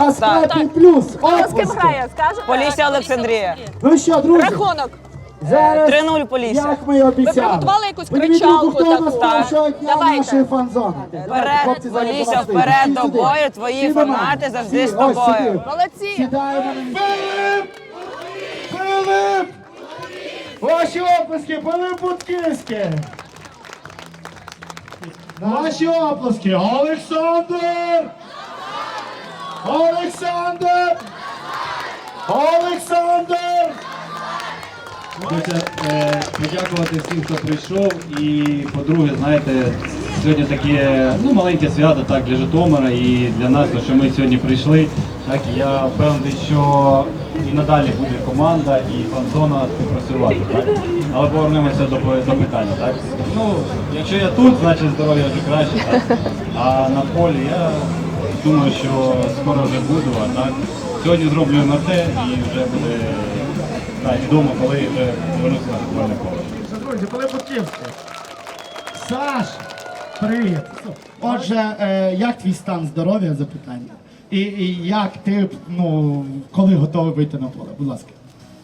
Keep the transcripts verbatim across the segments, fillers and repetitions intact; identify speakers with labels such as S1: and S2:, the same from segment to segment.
S1: А Скайпі плюс.
S2: Хто з ким
S1: Оплески.
S2: грає, скажете?
S3: Полісся Олександрія.
S1: Ну що, друзі,
S2: Рахунок.
S1: зараз,
S3: три нуль Полісся.
S1: як ми і обіцяли.
S2: Ви приготували якусь
S1: Подивіться,
S2: кричалку
S1: хто
S2: таку?
S1: нас першого дня
S2: Давайте.
S1: нашої фан-зони.
S3: Вперед, Полісся, вперед до бою, твої фанати завжди з тобою.
S2: Молодці.
S1: Сідаємо на місце. Филип! Филип! Ваші оплески, Пилип Бутківський! Наші оплески, Олександр! Олександр! Олександр!
S4: Хочеться е, подякувати всім, хто прийшов. І, по-друге, знаєте, сьогодні таке ну, маленьке свято так, для Житомира і для нас, то, що ми сьогодні прийшли. Так, і я впевнений, що і надалі буде команда і фан-зона співпрацювати. Так? Але повернемося до, до питання. Так? Ну, якщо я тут, значить здоров'я вже краще. Так? А на полі я думаю, що скоро вже буду. А так? Сьогодні зроблю ем ар те і вже буде так, відомо, коли вже повернуся на футбольне поле.
S1: Друзі, Пилип Бутківський. Саш, привіт. Отже, е, як твій стан здоров'я, запитання? І, і як ти, ну, коли готовий вийти на поле? Будь ласка.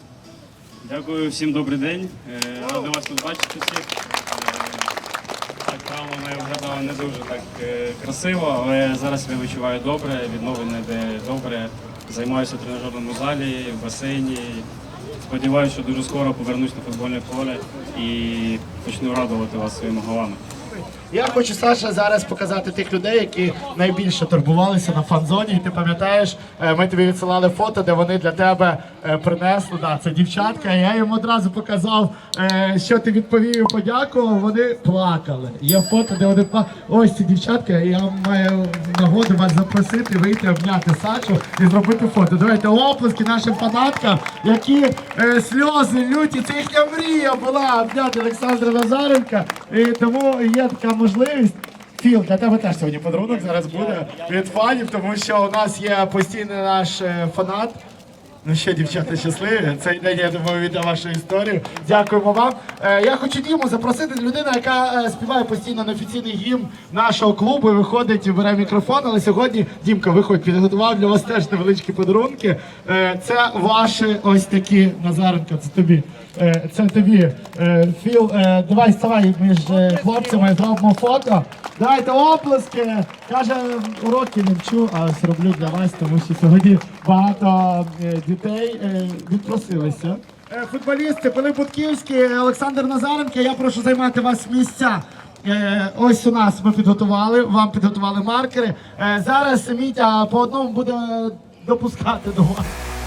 S5: Дякую, всім добрий день. Е, Радий вас тут бачити всіх. Е, Так, травма моя виглядала не дуже так е, красиво, але зараз себе відчуваю добре, відновлення йде добре. Займаюся в тренажерному залі, в басейні. Сподіваюся, що дуже скоро повернусь на футбольне поле і почну радувати вас своїми голами.
S1: Я хочу, Саша, зараз показати тих людей, які найбільше турбувалися на фан-зоні. І ти пам'ятаєш, е, ми тобі відсилали фото, де вони для тебе е, принесли. Да, це дівчатка. Я їм одразу показав, е, що ти відповів і подякував. Вони плакали. Є фото, де вони плакали. Ось ці дівчатка. Я маю нагоду вас запросити, вийти, обняти Сашу і зробити фото. Давайте оплески нашим фанаткам, які е, сльози люті. Це їхня мрія була обняти Олександра Назаренка. І тому є така можливість. Філ, для тебе теж сьогодні подарунок зараз буде від фанів, тому що у нас є постійний наш е, фанат. Ну що, дівчата, щасливі. Цей день, я думаю, віде вашу історію. Дякуємо вам. Е, я хочу Діму запросити, людина, яка е, співає постійно неофіційний гімн нашого клубу і виходить і бере мікрофон. Але сьогодні, Дімка, виходь, підготував для вас теж невеличкі подарунки. Е, це ваші ось такі, Назаренко, це тобі. Е, це тобі. Е, Філ, е, давай ставай між е, хлопцями, зробимо фото. Дайте оплески. Каже, уроки не вчу, а ось роблю для вас, тому що сьогодні багато е, дітей е, відпросилися. Е, футболісти Пилип Бутківський, Олександр Назаренко, я прошу займати вас місця. Е, ось у нас ми підготували, вам підготували маркери. Е, зараз Мітя по одному буде допускати до вас.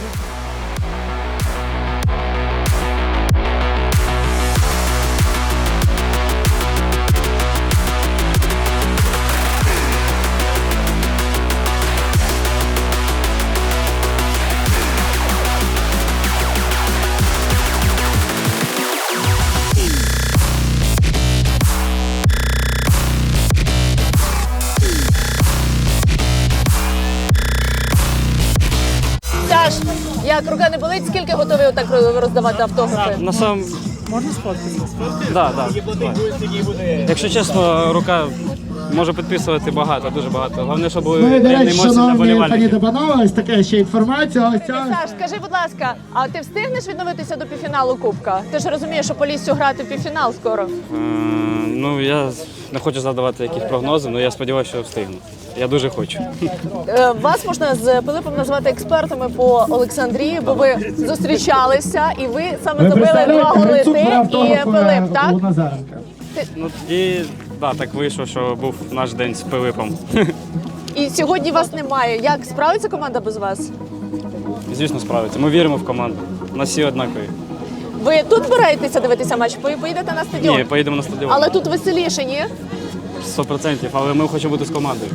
S2: Саш, як рука не болить, скільки готові отак роздавати автографи?
S6: На сам... Можна сфоткатися? Так, так. Якщо чесно, рука може підписувати багато, дуже багато. Головне, щоб були
S1: Ну і, до
S6: рівні
S1: речі,
S6: емоції для
S1: шановні пані
S6: болівальників.
S1: Дебанова, ось така ще інформація. Ось ця.
S2: Саш, скажи, будь ласка, а ти встигнеш відновитися до півфіналу Кубка? Ти ж розумієш, що Поліссю грати в півфінал скоро.
S6: Е, Ну, я не хочу задавати якісь прогнози, але я сподіваюся, що встигну. Я дуже хочу.
S2: Е, Вас можна з Пилипом назвати експертами по Олександрії, бо ви зустрічалися і ви саме
S1: Ви
S2: забили два
S1: представляєте,
S2: голи
S1: Грицюк
S2: ти
S1: брав
S2: і
S1: автограф,
S2: Пилип,
S1: е,
S2: так?
S1: у Назаренка.
S6: Ну, і да, так вийшло, що був наш день з Пилипом.
S2: І сьогодні вас немає. Як справиться команда без вас?
S6: Звісно, справиться. Ми віримо в команду. У нас всі однакові.
S2: Ви тут збираєтеся дивитися матч? Ви поїдете на стадіон?
S6: Ні, поїдемо на стадіон.
S2: Але тут веселіше, ні?
S6: сто відсотків, але ми хочемо бути з командою.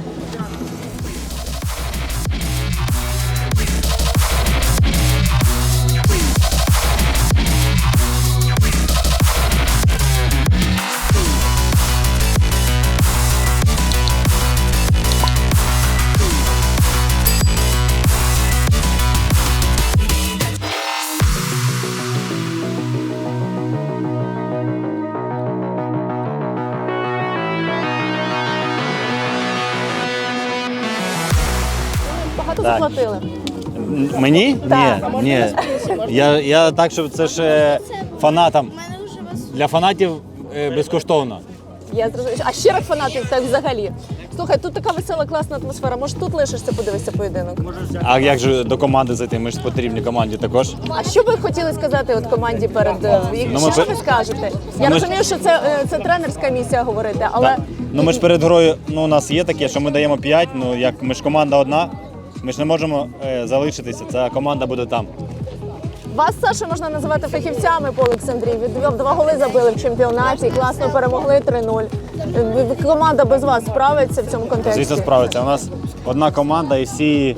S2: багато
S7: Так.
S2: заплатили?
S7: М- Мені?
S2: Так.
S7: Ні, ні. Я, я так, щоб це ж е, фанатам. Для фанатів е, безкоштовно.
S2: Я зрозуміла. А щирих фанатів так взагалі. Слухай, тут така весела, класна атмосфера. Може, тут лишишся, подивишся поєдинок?
S7: А як же до команди зайти? Ми ж потрібні команді також.
S2: А що ви хотіли сказати от команді перед е,
S7: Ну, ми
S2: що
S7: пе-
S2: ви скажете? Я
S7: ми ж-
S2: розумію, що це, е, це тренерська місія говорити, але
S7: Так. Ну ми ж перед грою, ну у нас є таке, що ми даємо п'ять, ну як ми ж команда одна, ми ж не можемо е, залишитися, ця команда буде там.
S2: вас, Саша, можна називати фахівцями по Олександрії. Ви два голи забили в чемпіонаті, класно перемогли три нуль. Е, Команда без вас справиться в цьому контексті?
S7: Звісно, справиться. У нас одна команда і всі,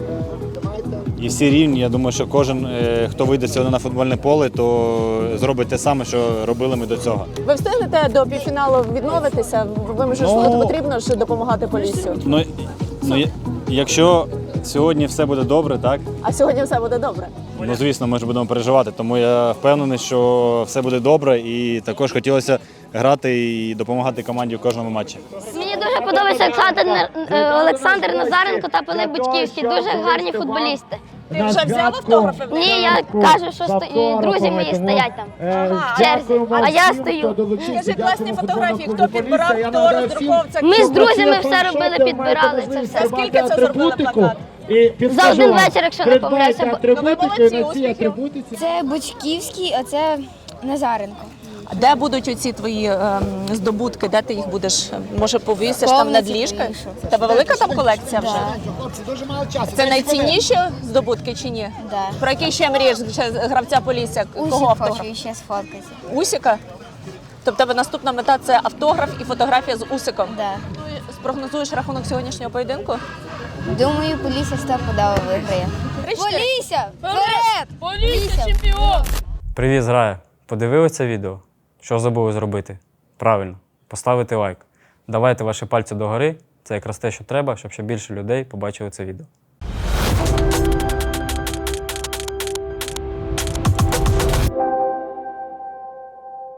S7: і всі рівні. Я думаю, що кожен, е, хто вийде сьогодні на футбольне поле, то зробить те саме, що робили ми до цього.
S2: Ви встигнете до півфіналу відновитися? Ви ж
S7: Ну,
S2: потрібно ж допомагати Поліссю.
S7: Ну, ну я- якщо сьогодні все буде добре, так?
S2: А сьогодні все буде добре.
S7: Ну, звісно, ми ж будемо переживати, тому я впевнений, що все буде добре, і також хотілося грати і допомагати команді в кожному матчі.
S8: Мені дуже подобається Олександр, е, Олександр Назаренко та Пилип Бучківський. Дуже гарні футболісти.
S2: Ти вже взяв автографи?
S8: Ні, я кажу, що сто... і друзі мої стоять там в черзі, а я стою.
S2: Скажи класні фотографії, хто підбирав, хто роздрукував це.
S8: Ми з друзями все робили, підбирали це все.
S2: Скільки це зробили плакат?
S8: За один вечір, якщо не помиляюся.
S2: Ну ви молодці, успіхів.
S9: Це Бучківський, а це Назаренко.
S2: А де будуть оці твої ем, здобутки? Де ти їх будеш? Може, повісиш там над
S9: Повністю
S2: ліжкою?
S9: повішу.
S2: В Тебе велика там колекція вже?
S1: Хлопці, дуже мало часу.
S2: Це найцінніші здобутки чи ні?
S9: Да.
S2: Про який ще мрієш ще гравця Полісся? Кого
S9: Усіх
S2: автограф?
S9: хочу ще сфоткати.
S2: Усіка? Тобто тебе наступна мета це автограф і фотографія з Усиком?
S9: Да.
S2: Спрогнозуєш рахунок сьогоднішнього поєдинку?
S9: Думаю, Полісся стопудово виграє.
S2: Три-чотири.
S9: Полісся! Вперед! Полісся чемпіон!
S6: Привіт, зграя! Подивилися це відео? Що забули зробити? Правильно, поставити лайк. Давайте ваші пальці догори. Це якраз те, що треба, щоб ще більше людей побачили це відео.